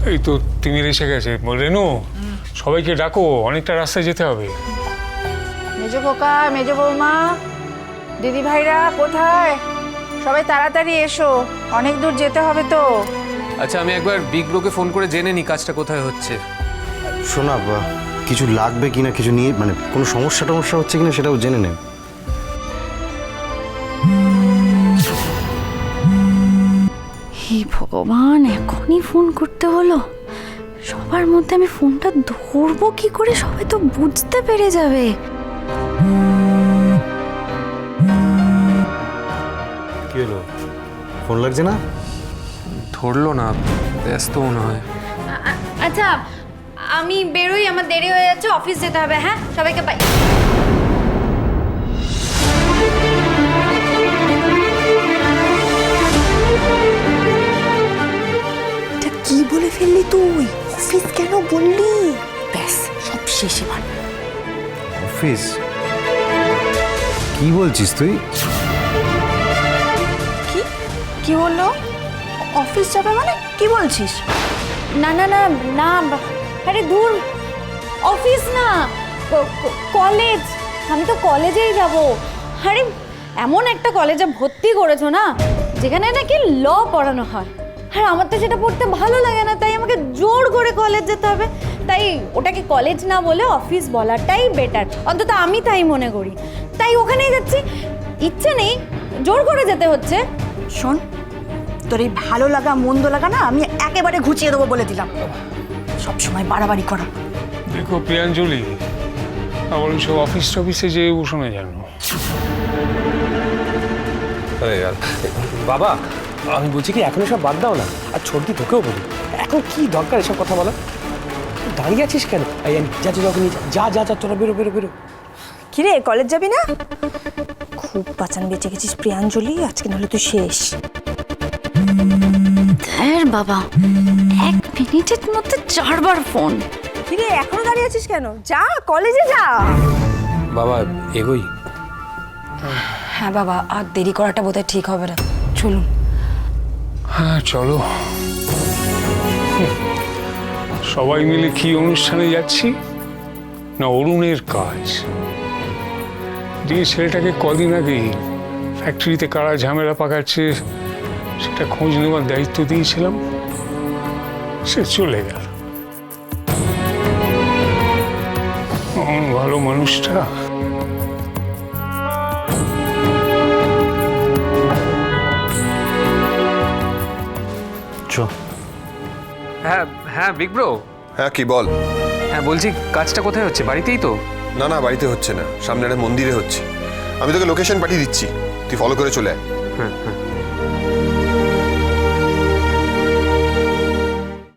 এই তো তিমির এসে গেছে। রেনু, সবাইকে ডাকো, অনেকটা রাস্তায় যেতে হবে। মেজো খোকা, মেজো বৌমা, দিদি ভাইরা কোথায়? সবাই তাড়াতাড়ি এসো, অনেক দূর যেতে হবে তো। আচ্ছা, আমি একবার বিগ ব্রোকে ফোন করে জেনে নি কাজটা কোথায় হচ্ছে। শোনা, কিছু লাগবে কিনা, কিছু নিয়ে মানে কোনো সমস্যা হচ্ছে কিনা সেটাও জেনে নেব। হে ভগবান, এখনই ফোন করতে হলো। সবার মধ্যে আমি ফোনটা ধরবো কি করে? সবাই তো বুঝতে পেরে যাবে। কি হলো, ফোন লাগছে না? ধরলো না, ব্যস্ত মনে হয়। আচ্ছা, আমি বেরোই, আমার দেরি হয়ে যাচ্ছে, অফিস যেতে হবে। হ্যাঁ, সবাইকে বাই। এটা কি বলে ফেললি তুই? অফিস কেন বললি? ব্যাস, সব শেষ এবার। অফিস? কি বলছিস তুই? কি কি বললো? অফিস যাবে মানে কি বলছিস? না না না না, আরে দূর, অফিস না, কলেজ। আমি তো কলেজেই যাব। আরে এমন একটা কলেজে ভর্তি করেছো না, যেখানে নাকি ল পড়ানো হয়। আর আমার তো সেটা পড়তে ভালো লাগে না, তাই আমাকে জোর করে কলেজ যেতে হবে। তাই ওটাকে কলেজ না বলে অফিস বলাটাই বেটার, অন্তত আমি তাই মনে করি। তাই ওখানেই যাচ্ছি। ইচ্ছে নেই, জোর করে যেতে হচ্ছে। শোন, তোর এই ভালো লাগা মন্দ লাগা না আমি একেবারে ঘুচিয়ে দেবো বলে দিলাম। সব সময় বাড়াবাড়ি করা। দেখো প্রিয়াঞ্জলি, আমার সব অফিস টফিসে যে শোনা জানো। বাবা, আমি বলছি কি এখন সব বাদ দাও না, আর ছোটদি তোকেও বলি, এখন কি দরকার এসব কথা বলা? দাঁড়িয়ে আছিস কেন? যা যা যখন যা যা যা তোরা বেরো বেরো বেরো। কিরে, কলেজ যাবি না? খুব বাঁচান বেঁচে গেছিস প্রিয়াঞ্জলি, আজকে নাহলে তুই শেষ। হ্যাঁ বাবা, 1 মিনিটের মধ্যে 4 বার ফোন। কিরে, এখনো দাঁড়িয়ে আছিস কেন? যা, কলেজে যা। বাবা এগোই। হ্যাঁ বাবা, আর দেরি করাটা বোধহয় ঠিক হবে না, চলুন। হ্যাঁ চলো। সবাই মিলে কি অনুষ্ঠানে যাচ্ছি? না অরুণের কাজ। যে ছেলেটাকে কদিন আগে ফ্যাক্টরিতে কারা ঝামেলা পাকাচ্ছে সেটা খোঁজ নেওয়ার দায়িত্ব দিয়েছিলাম, সে চলে গেল। ভালো মানুষটা। হ্যাঁ হ্যাঁ বিগ ব্রো। হ্যাঁ কি বল? হ্যাঁ বলছি, কাজটা কোথায় হচ্ছে? বাড়িতেই তো? না না, বাড়িতে হচ্ছে না, সামনে একটা মন্দিরে হচ্ছে। আমি তোকে লোকেশন পাঠিয়ে দিচ্ছি, তুই ফলো করে চলে আয়। হ্যাঁ হ্যাঁ।